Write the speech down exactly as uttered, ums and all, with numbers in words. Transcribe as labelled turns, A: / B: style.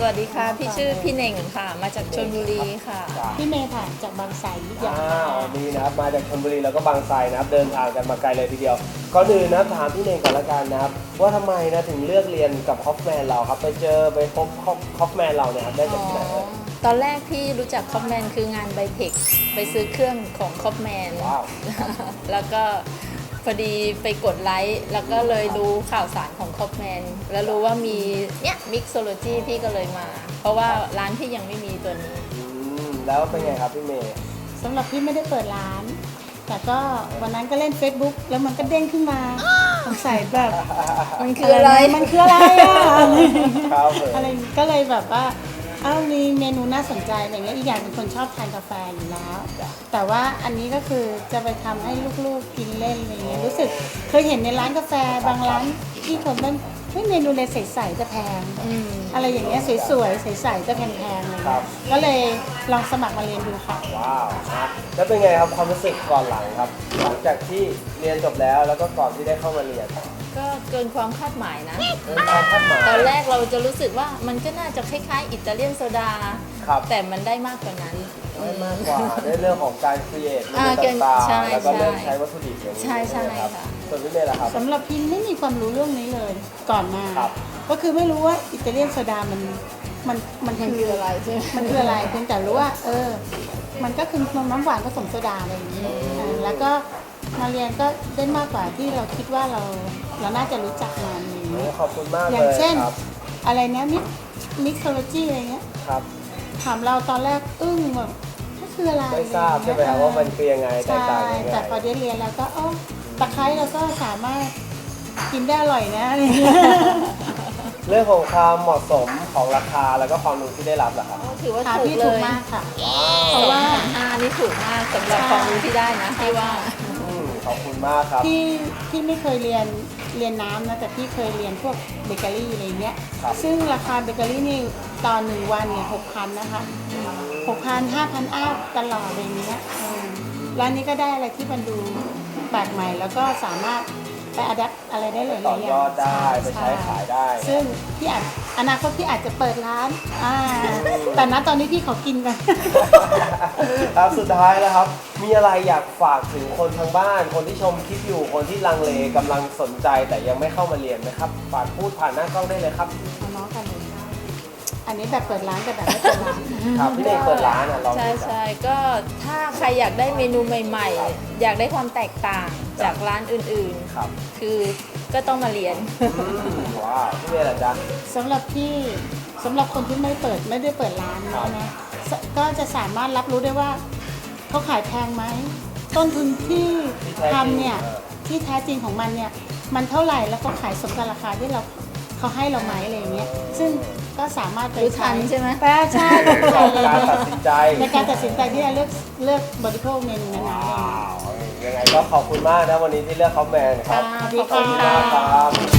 A: วัสดีค่ะพี่ชื่อพี่เน่งค่ะมาจากชลบุรีค่ะ
B: พี่เมย์ค่ะจากบางไทรยุทธยา
C: วันนี้นะครับมาจากชลบุรีแล้วก็บางไทรนะครับเดินทางกันมาไกลเลยทีเดียวก่อนอื่นนะถามพี่เน่งก่อนละกันนะครับว่าทำไมนะถึงเลือกเรียนกับคอฟแมนเราครับไปเจอไปพบคอฟแมนเราเนี่ยครับได้จากที่ไหนเอ่ย
A: ตอนแรกพี่รู้จักคอฟแมนคืองานไบเทคไปซื้อเครื่องของคอฟแมนแล้วก็พอดีไปกดไลค์แล้วก็เลยรู้ข่าวสารของคอฟแมนแล้วรู้ว่ามีเนี่ยมิกโซโลจีพี่ก็เลยมาเพราะว่าร้านพี่ยังไม่มีตัวนี้
C: แล้วเป็นไงครับพี่เมย์
B: สำหรับพี่ไม่ได้เปิดร้านแต่ก็วันนั้นก็เล่น Facebook แล้วมันก็เด้งขึ้นมาสงสัยแบบ
A: มันคืออะไร
B: มันคืออะไรอ่ะอะไรก็เลยแบบว่าอ้าวมีเมนูน่าสนใจอย่างเงี้ยอีกอย่างเป็นคนชอบทานกาแฟอยู่แล้วแต่ว่าอันนี้ก็คือจะไปทำให้ลูกๆกินเล่นอะไรเงี้ยรู้สึกเคยเห็นในร้านกาแฟบางร้านที่คนนั้นไม่เมนูเลยใสๆจะแพงอะไรอย่างเงี้ยสวยๆใสๆจะแพงๆเลยก็เลยลองสมัครมาเรียนดูค่ะ
C: ว้าวครับแล้วเป็นไงครับความรู้สึกก่อนหลังครับหลังจากที่เรียนจบแล้วแล้วก็ก่อนที่ได้เข้ามาเรียน
A: ก็เกินความคาดหมายนะ
C: เกินความคาดหมาย
A: ตอนแรกเราจะรู้สึกว่ามันก็น่าจะคล้ายๆอิตาเลียนโซดาแต่มันได้มากกว่านั้น
C: ได้มากกว่าในเรื่องของการครีเอทเมนูต่างๆแล้วก็เริ่มใช้วัตถุดิบอย่างนี้
A: ใช่ใช่ค่ะ
C: ส่วนพี่เมย์ล่ะครับ
B: สำหรับพิมไม่มีความรู้เรื่องนี้เลยก่อนมาก็คือไม่รู้ว่าอิตาเลียนโซดามันมันมัน
A: คืออะไรใช่ไหม
B: มันคืออะไรเพียงแต่รู้ว่าเออมันก็คือนมน้ำหวานผสมโซดาอะไรอย่างนี้แล้วก็มาเรียนก็ได้มากกว่าที่เราคิดว่าเราเราน่าจะรู้จักมันอย่างนี้
C: ขอบคุณมากเลย
B: อย่างเช่นอะไรนะมิกมิกโซโลจีอะไรเงี้ย
C: ครับ
B: ถามเราตอนแรกอึ้งแบบก็คืออะไร
C: ไม่ทราบใช่ไหมครับว่ามันคือยังไงแตกต่างยังไง
B: แต่พอได้เรียนแล้วก็อ๋อตะไคร้เราก็สามารถกินได้อร่อยนะอะไร
C: เรื่องของความเหมาะสมของราคาแล้วก็ความรู้ที่ได้รับเหรอครับ
A: ถือว่าถูกเลย
B: มากค่ะ
A: เพราะว่าห้านี่ถูกมากสำหรับความรู้ที่ได้นะที่ว่า
C: ขอบคุณมากครับ
B: พี่พี่ไม่เคยเรียนเรียนน้ำนะแต่พี่เคยเรียนพวกเบเกอรี่อะไรเงี้ยซึ่งราคาเบเกอรี่นี่ตอนหนึ่งวันเนี่ยหกพันนะคะหกพันห้าพันอัพตลอดอะไรเงี้ยร้านนี้ก็ได้อะไรที่มันดูแปลกใหม่แล้วก็สามารถไปอัดแอปอะไรได้เลย
C: ต่อยอดได้ไปใช้ขายได้
B: ซึ่งพี่อาจอนาคตพี่อาจจะเปิดร้านอ่าแต่ณตอนนี้พี่ขอกินกัน
C: ครับสุดท้ายแล้วครับมีอะไรอยากฝากถึงคนทางบ้านคนที่ชมคลิปอยู่คนที่ลังเลกำลังสนใจแต่ยังไม่เข้ามาเรียนไหมครับฝากพูดผ่านหน้ากล้องได้เลยครับ
B: น้องกันเลยอันนี้แบบเปิดร้านกับแบบไม่เปิดร้าน
C: ครับพี่เด็กเปิดร้านอ่ะลอง
A: ใช่ใช่ก็ถ้าใครอยากได้เมนูใหม่ๆอยากได้ความแตกต่างจากร้านอื่นๆครับคือก็ต้องมาเรียน
C: ว้าวพี่เมย์ล่ะจ๊ะ
B: สำหรับพี่สำหรับคนที่ไม่เปิดไม่ได้เปิดร้านนะก็จะสามารถรับรู้ได้ว่าเขาขายแพงไหมต้นทุนที่ทำเนี่ยที่แท้จริงของมันเนี่ยมันเท่าไหร่แล้วก็ขายสมกับราคาที่เราเขาให้เราไหมอะไรอย่างเงี้ยซึ่งก็สามารถไป
A: ใช้ใช่ไหม
B: แปลใช่
C: ในการตัดสินใจ
B: ในการตัดสินใจที่จะเลือกเลือกบริโภคเมนูนั้น
C: ๆยังไงก็ขอบคุณมากนะวันนี้ที่เลือกคอมแมนครับ
B: ขอบคุณมากครับ